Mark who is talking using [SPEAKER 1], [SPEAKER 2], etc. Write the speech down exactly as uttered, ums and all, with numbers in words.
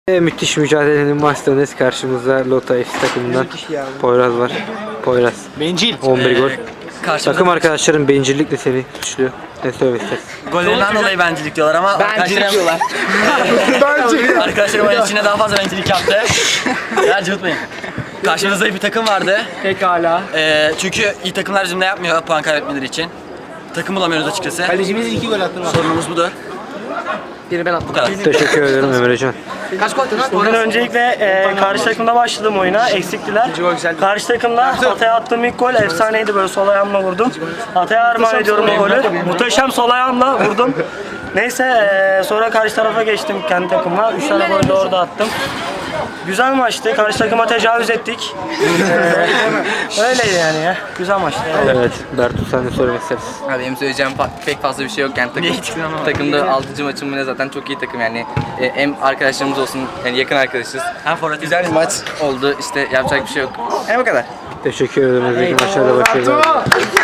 [SPEAKER 1] Ve müthiş mücadelenin başlarındayız. Karşımızda Lota F C takımından Poyraz var. Poyraz.
[SPEAKER 2] Bencil.
[SPEAKER 1] on bir gol.
[SPEAKER 3] Karşımda
[SPEAKER 1] Takım arkadaşların bencillikle seni suçluyor. Ne söylemek istersin?
[SPEAKER 3] gollerinden dolayı bencillik diyorlar ama
[SPEAKER 2] Bencillik diyorlar.
[SPEAKER 3] arkadaşlarım, arkadaşlarım oyun içinde daha fazla bencillik yaptı. Ya cıvıtmayın. Karşımızda bir takım vardı.
[SPEAKER 2] Pekala.
[SPEAKER 3] Ee, çünkü iyi takımlar bizimle yapmıyor puan kaybetmeleri için. Takım bulamıyoruz açıkçası.
[SPEAKER 2] Kalecimiz iki gol attı.
[SPEAKER 3] Sorunumuz budur.
[SPEAKER 2] Biri ben attım.
[SPEAKER 3] Bu kadar.
[SPEAKER 1] Teşekkür ederim Emrecan.
[SPEAKER 2] Kaç gol attın?
[SPEAKER 4] Bugün öncelikle e, karşı takımda başladım oyuna, eksiktiler. Karşı takımda Atay'a attığım ilk gol efsaneydi, böyle sol ayağımla vurdum. Atay'a armağan ediyorum o golü. Muhteşem sol ayağımla vurdum. Neyse e, sonra karşı tarafa geçtim kendi takımla. Üç tane gol de orada attım. Güzel maçtı, karşı takıma tecavüz ettik. Ee, öyleydi yani ya, güzel maçtı.
[SPEAKER 1] Evet, Bertu sen de söylemek istersin.
[SPEAKER 5] Abi benim söyleyeceğim fa- pek fazla bir şey yok yani takım, takımda altıncı maçım mı ne, zaten çok iyi takım yani. E, hem arkadaşlarımız olsun, yani yakın arkadaşız.
[SPEAKER 3] Hem forvet
[SPEAKER 5] Güzel bir maç oldu, işte yapacak bir şey yok. Yani bu kadar.
[SPEAKER 1] Teşekkür ederim. Özellikle maçlarda başarılar.